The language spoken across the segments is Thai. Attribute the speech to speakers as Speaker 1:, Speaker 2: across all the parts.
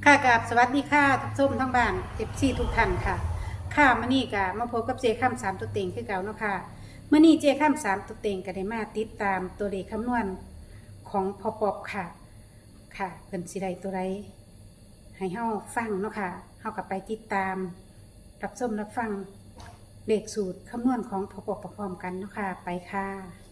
Speaker 1: ค่ะกับสวัสดีค่ะทุกส้ชมทั้งบ้านเจ็บซี่ทุกท่านค่ะค่ะมื่อนี้กะมาพบกับเจข้ามสามตัวเต็งคือเก่าเนาะค่ะเมื่อนี้เจข้ามสามตัวเต็งก็ได้มาติดตามตัวเลขคำนวณของพอปอบค่ะค่ะเป็นสิใดตัวใดให้เฮาฟังเนาะค่ะเฮากับไปติดตามรับชมรับฟังเลขสูตรคำนวณของพอปอบพร้อมๆกันเนาะค่ะไปค่ะ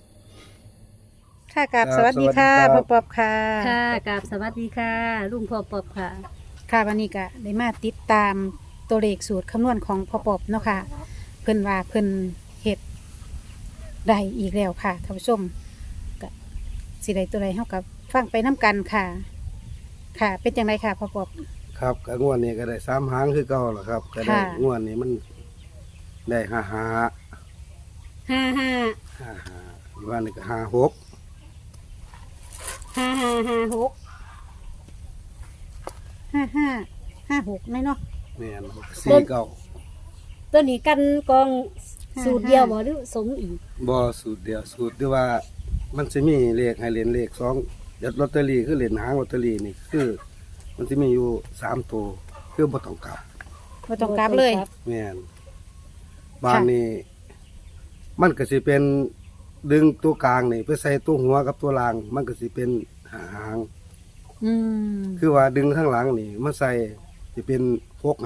Speaker 1: ค่ะกับสวัสดีค่ะ
Speaker 2: สวัสดีครับ
Speaker 1: พอปอบค่ะ
Speaker 3: ค่ะกับสวัสดีค่ะ ลุงพอปอบค่ะ
Speaker 1: ค่ะวันนี้ก็ได้มาติดตามตัวเลขสูตรคำนวณของพ่อปอบเนาะค่ะเพิ่นว่าเพิ่นเฮ็ดได้อีกแล้วค่ะท่านผู้ชมก็สิได้ตัวใดเฮากับฟังไปน้กันค่ะ ค่ะ เป็นจังไดค่ะพ่อปอบ
Speaker 2: ครับก็งวดนี้ก็ได้3 หางคือเก่าแหละครับก็ได้
Speaker 1: ค่ะ
Speaker 2: งวดนี้มันได้5
Speaker 3: 55
Speaker 2: 5วันนี้ก็5 6
Speaker 3: 5556
Speaker 1: 5556น้อยเนาะ
Speaker 2: แม่น4 เก้า
Speaker 3: ตัวนี้กันกองสูตรเดียวบ่หรือสมอีก
Speaker 2: บ่สูตรเดียวสูตรที่ว่ามันสิมีเลขให้เล่นเลข2เดี๋ยวลอตเตอรี่คือเล่นหางลอตเตอรี่นี่คือ มันสิมีอยู่3ตัวคือบ่ต้องกลับ
Speaker 1: บ่ต้องกลับเลย
Speaker 2: แม่นบ้านนี้ มันก็สิเป็นดึงตัวกลางนี่ไปใส่ตัวหัวกับตัวล่าง มันก็สิเป็นหาง
Speaker 1: อืม
Speaker 2: คือว่าดึงข้างหลังนี่มาใส่จะเป็นพก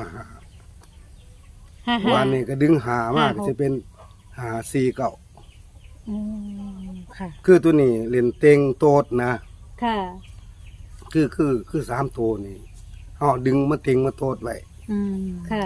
Speaker 1: 55
Speaker 2: วันนี้ก็ดึงหามาก
Speaker 1: 56
Speaker 2: จะเป็นหา4 เก้า
Speaker 1: อืมค่ะ
Speaker 2: คือตัวนี้เล่นเต็งโตดนะ
Speaker 3: ค่ะ
Speaker 2: คือ3 ตัวนี่เอาดึงมาเต็งมาโตดไว้
Speaker 1: อืม
Speaker 3: ค่ะ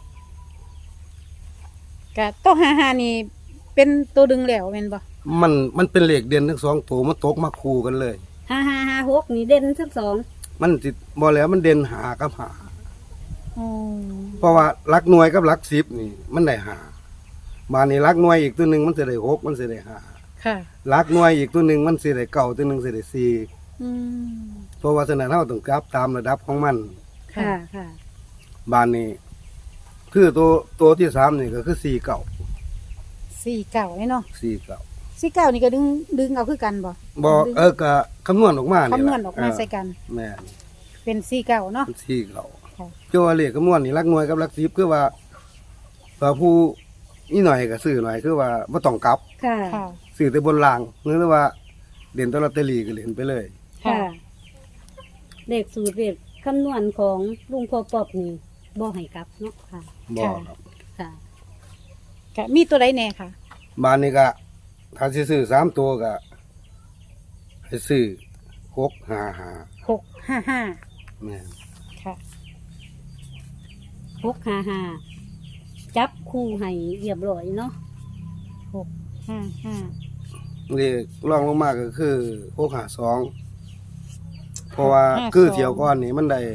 Speaker 1: ก็ตัว55นี่เป็นตัวดึงแล้วแม่นบ่
Speaker 2: มันเป็นเหล็กเด่นทั้ง2 ตัวมันตกมาคู่กันเลย
Speaker 3: 5556นี่เด่นทั้งสอง
Speaker 2: มันสิบ่แล้วมันเด่นหากับหา
Speaker 1: อ๋อ
Speaker 2: เพราะว่าหลักหน่วยกับหลัก10นี่ มันได้หาบานนี้หลักหน่วยอีกตัวหนึงมันสิได้6มันสิได้ห้า
Speaker 1: ค่ะ
Speaker 2: หลักหน่วยอีกตัวหนึงมันสิได้เก้าตัวหนึงสิได้4
Speaker 1: อืม
Speaker 2: เพราะว่าฉะนั้นเราต้องกลับตามระดับของมัน
Speaker 3: ค่ะค่ะ
Speaker 2: บ้านนี้ คือตัวที่3นี่ก็คือ4 เก้า
Speaker 1: 49นี่เนาะ
Speaker 2: 4 เก้า
Speaker 1: 49นี่ก็ดึงเอาคือกันบ่
Speaker 2: บ่ก็คำนวณออกมานี่
Speaker 1: คำนวณออกมาใส่กัน
Speaker 2: แม่น
Speaker 1: เป็น49เนาะ
Speaker 2: 4 เก้า
Speaker 1: ค่ะ
Speaker 2: คือว่าเลขคำนวณนี่หลักหน่วยกับหลัก10คือว่าผู้นี่หน่อยก็ซื้อหน่อยคือว่าบ่ต้องกลับ
Speaker 3: ค่ะ
Speaker 1: ค่ะ
Speaker 2: ซื้อแต่บนล่างหรือว่าเล่นแตลอตเตอรี่ก็เล่นไปเลย
Speaker 3: ค่ะ เลขสูตรเลขคำนวณของลุงพอปอบนี่บ่ให้กลับเนาะค่ะ
Speaker 2: บ่ครับ
Speaker 3: ค่ะ
Speaker 1: ก็มีตัวใดแน่ค่ะ
Speaker 2: บ้านนี้ก็ถ้าสิซื้อ3 ตัวก็ให้ซื้อ655
Speaker 1: 655
Speaker 2: แม่น
Speaker 1: ค่ะ
Speaker 3: 655จับคู่ให้เรียบร้อยเนาะ
Speaker 1: 655
Speaker 2: เลขรองลงมาก็คือ652เพราะว่าคือเที่ยวก่อนนี่มันได้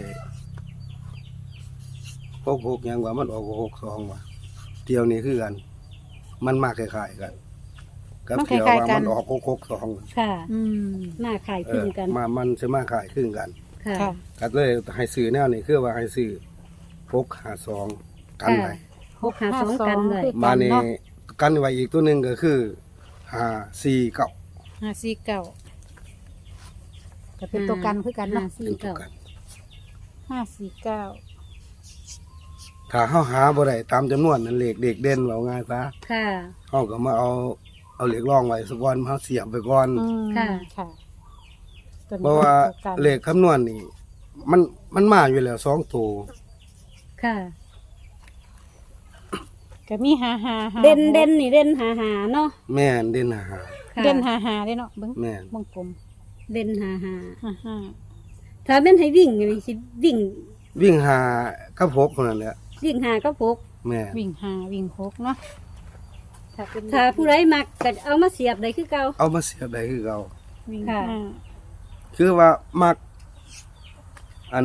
Speaker 2: 66หยังว่ามันออก62ว่ะเที่ยวนี้คือกัน มันมาคล้ายๆกันกับเที่ยวว่ามันออก662
Speaker 3: ค่ะ
Speaker 1: อืม
Speaker 3: หน้าขายคลึงกัน
Speaker 2: มันสิมาคล้ายคลึงกัน
Speaker 3: ค่ะ
Speaker 1: ค่ะ
Speaker 2: ก็เลยให้ซื้อแนวนี้คือว่าให้ซื้อ652กันไว้
Speaker 3: 652กันเลย
Speaker 1: คือ
Speaker 2: มานี่
Speaker 1: เนาะ
Speaker 2: กันไว้อีกตัวหนึงก็คือ549
Speaker 1: 549ก็เป็นตัวกันคือกันเนาะ
Speaker 2: เป็นตัวกัน
Speaker 1: 549
Speaker 2: ถ้าเฮาหาบ่ได้ตามจำนวนนั้นเลขเด็กเด่นว่าง่ายซะ
Speaker 3: ค่ะ
Speaker 2: เฮาก็มาเอาเหล็กรองไว้สักวันเฮาเสียบไปก่อน
Speaker 1: อืม
Speaker 3: ค่ะ
Speaker 1: ค่ะตัวนี้
Speaker 2: เพราะว่า
Speaker 1: ตัวกัน
Speaker 2: เลขคำนวณนี่มันมาอยู่แล้ว2ตัว
Speaker 3: ค่ะ
Speaker 1: ก็มี55
Speaker 3: เด่นนี่เด่น55เนาะ
Speaker 2: แม่นเด่นหา
Speaker 3: ค่ะ
Speaker 1: เด่น55ได้เนาะเบิ่ง
Speaker 2: แม่น
Speaker 1: วงกลม
Speaker 3: เด่น
Speaker 1: 55
Speaker 3: 55ถ้าเป็นให้วิ่งนี่สิวิ่ง
Speaker 2: วิ่งหากับ6เท่านั้นแหละ
Speaker 3: วิ่งหาก็พก
Speaker 2: แม่น
Speaker 1: วิ่ง5วิ่ง6เนาะถ้าเป็น
Speaker 3: ถ้าผู้ใดมักก็เอามาเสียบได้คือเก่า
Speaker 2: เอามาเสียบได้คือเก่า
Speaker 1: วิ่ง
Speaker 3: ค่ะ
Speaker 2: คือว่ามักอัน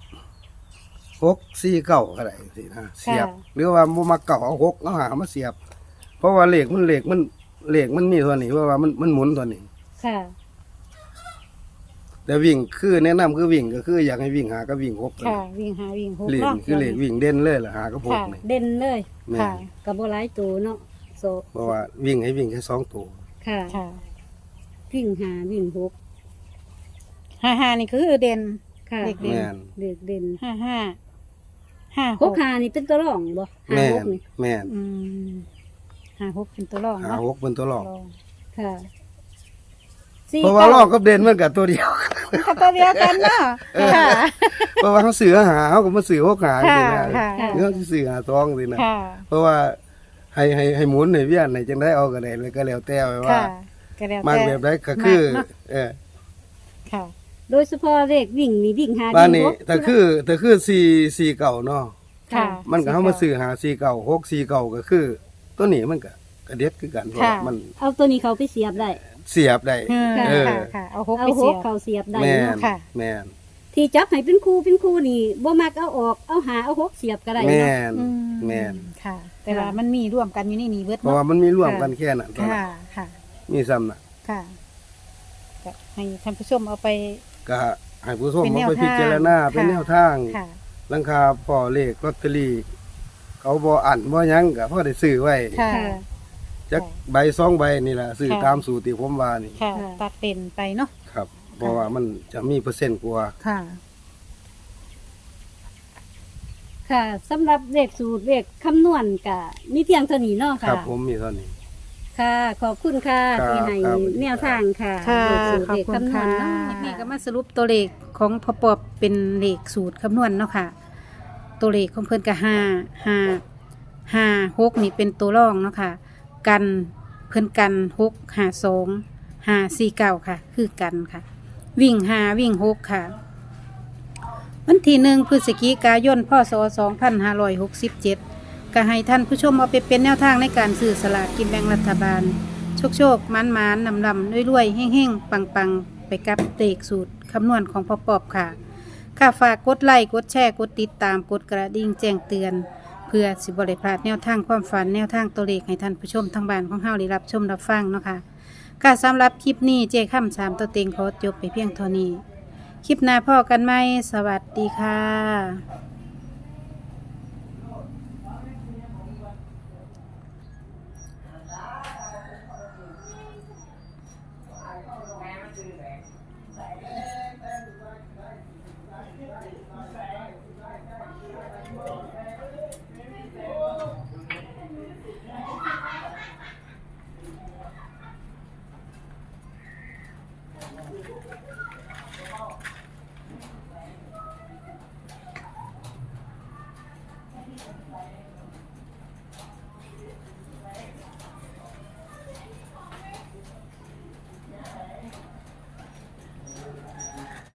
Speaker 2: 649ก็ได้สินะเสียบ หรือว่าบ่มักเก่าเอา6เอาหามาเสียบ เพราะว่าเลขมันมีตัวนี้เพราะว่ามันหมุนตัวนี้
Speaker 3: ค่ะ
Speaker 2: แต่วิ่งคือแนะนำคือวิ่งก็คืออยากให้วิ่งหากับวิ่ง6
Speaker 1: ค่ะวิ่ง5วิ่ง6
Speaker 2: เลข
Speaker 1: เนาะ
Speaker 2: คือเลขวิ่งเด่นเลยล่ะหากับ6
Speaker 1: ค่ะ
Speaker 2: นี่
Speaker 3: เด่นเลย
Speaker 2: แม่
Speaker 1: ค่ะ
Speaker 2: น
Speaker 3: ก็บ่หลายตัวเนาะโซ
Speaker 2: เพราะว่าวิ่งให้วิ่งแค่2ตัว
Speaker 3: ค่ะ
Speaker 1: ค่ะ
Speaker 3: วิ่งหาวิ่งพก
Speaker 1: 55นี่คือเด่น
Speaker 3: ค่ะ
Speaker 1: เลขเด่น
Speaker 2: แม่น
Speaker 3: เด็กเด่น
Speaker 1: 55
Speaker 3: หกหานี่เป็นตัวรองบ่หา
Speaker 2: แม่
Speaker 3: หก
Speaker 2: น
Speaker 3: นี่
Speaker 2: แม่น
Speaker 1: อืม56เป็นตัวรอง
Speaker 2: หา
Speaker 1: เนาะ
Speaker 2: หกเป็นตัวหลอก
Speaker 1: รอง
Speaker 3: ค่ะ
Speaker 2: เพราะว่าลอกกับเด่นมันกับตัวเดียว
Speaker 1: ก็ตัวเดียวกันเนาะค่ะ
Speaker 2: เพราะว่าเขาสื่อหาเขาก็มาสื่อหกหาจริงๆนะ
Speaker 1: ค่ะ
Speaker 2: เขาสิสื่อหาตองสินะ
Speaker 1: ค่ะ
Speaker 2: เพราะว่าให้หมุนให้เวียนให้จังได้เอาก็ได้เลยก็แล้วแต่ว่า
Speaker 1: ค่ะก็แล้ว
Speaker 2: มาก
Speaker 1: แต่
Speaker 2: แบบใดก็คือ
Speaker 1: มักเนาะ ค่ะ
Speaker 3: โดยเฉพาะเลขวิ่งนี่วิ่งหา
Speaker 2: บ้านนี้
Speaker 3: วิ่งหก
Speaker 2: แต่คือ4เก่าเนาะ
Speaker 1: ค่ะ
Speaker 2: มันก็เฮามาสื่อหา4เก่า6 4เก่าก็คือ ตัวนี้มันก็กระเด็ดคือกันเพราะว่ามัน
Speaker 3: เอาตัวนี้เขาไปเสียบได้
Speaker 2: เสียบได้
Speaker 1: เออ
Speaker 2: เออ
Speaker 1: ค่ะค่ะเอาหก
Speaker 3: เอา
Speaker 1: ไป
Speaker 3: ห
Speaker 1: เสี
Speaker 3: ก
Speaker 1: ยบ
Speaker 3: เขาเสียบได้
Speaker 2: แม่น
Speaker 3: เนาะ
Speaker 1: ค่ะ
Speaker 2: แม่น
Speaker 3: ที่จับให้เป็นคู่นี่บ่มักเอาออกเอาหาเอาหกเสียบก็ได้
Speaker 2: แม่
Speaker 3: เนาะ
Speaker 2: น
Speaker 1: อื
Speaker 2: แม่น
Speaker 1: ค่ะ แต่ว่ามันมีร่วมกันอยู่ในนี้เบิด
Speaker 2: เพราะว่า
Speaker 1: เนาะ
Speaker 2: มันมีร่วมกันแค่นั้นเท่านั้น
Speaker 1: ค่ะค่ะ
Speaker 2: มีซ้ำน่ะ
Speaker 1: ค่ะก็ให้ท่านผู้ชมเอาไป
Speaker 2: ก็ให้ผู้ชม
Speaker 1: เป็นแน
Speaker 2: เอา
Speaker 1: ว
Speaker 2: ไปพิจารณา
Speaker 1: ทาง
Speaker 2: เป็น
Speaker 1: ค่ะ
Speaker 2: แนวทาง
Speaker 1: ค่ะ
Speaker 2: ราคาพอเลขลอตเตอรี่เขาบ่อันบ่หยังก็พอได้ซื้อไว้
Speaker 1: ค่ะ
Speaker 3: ค่ะ
Speaker 2: จักใบ2ใบนี่ล่ะซื้อ
Speaker 1: ค่ะ
Speaker 2: ตามสูตรที่ผมว่านี่
Speaker 1: ค่ะ
Speaker 3: ค่ะ
Speaker 1: ตัดเป็นไปเนาะ
Speaker 2: ครับ เพราะว่ามันจะมีเปอร์เซ็นต์กว่า
Speaker 1: ค่ะ
Speaker 3: ค่ะสำหรับเลขสูตรเลขคำนวณก็มีเพียงเท่านี้เนาะ
Speaker 2: ค
Speaker 3: ค่ะ
Speaker 2: รับผมมีเท่านี้
Speaker 3: ค่ะ ขอบคุณค่ะ
Speaker 2: ครับ
Speaker 3: ที่ให้
Speaker 2: ครับ
Speaker 3: แนวทางค่ะ
Speaker 1: ค่ะ
Speaker 3: เลขสูตร
Speaker 1: ขอบ
Speaker 3: เลข
Speaker 1: คุณ
Speaker 3: คำนว
Speaker 1: ค่ะ
Speaker 3: ณเนาะ
Speaker 1: นี่ก็มาสรุปตัวเลขของพอปอบเป็นเลขสูตรคำนวณเนาะค่ะ ตัวเลขของเพิ่นก็5 6นี่เป็นตัวรองเนาะค่ะ กันเพิ่นกัน6 5 2 5 4 9ค่ะ คือกันค่ะ วิ่ง5วิ่ง6ค่ะ วันที่1พฤศจิกายนพศ2567ก็ให้ท่านผู้ชมเอาไปเป็นแนวทางในการซื้อสลากกินแบ่งรัฐบาล โชคๆมันๆนำๆรวยๆเฮ่งๆ ปังๆ ไปกับเลขสูตรคำนวณของพ่อปอบค่ะ ค่ะฝากกดไลค์กดแชร์กดติดตามกดกระดิ่งแจ้งเตือน เพื่อสิบริพลาดแนวทางความฝันแนวทางตัวเลขให้ท่านผู้ชมทางบ้านของเฮาได้รับชมรับฟังเนาะค่ะค่ะสำหรับคลิปนี้เจ้ค่ำ3ตัวเต็งขอจบไปเพียงเท่านี้ คลิปหน้าพ่อกันไหมสวัสดีค่ะ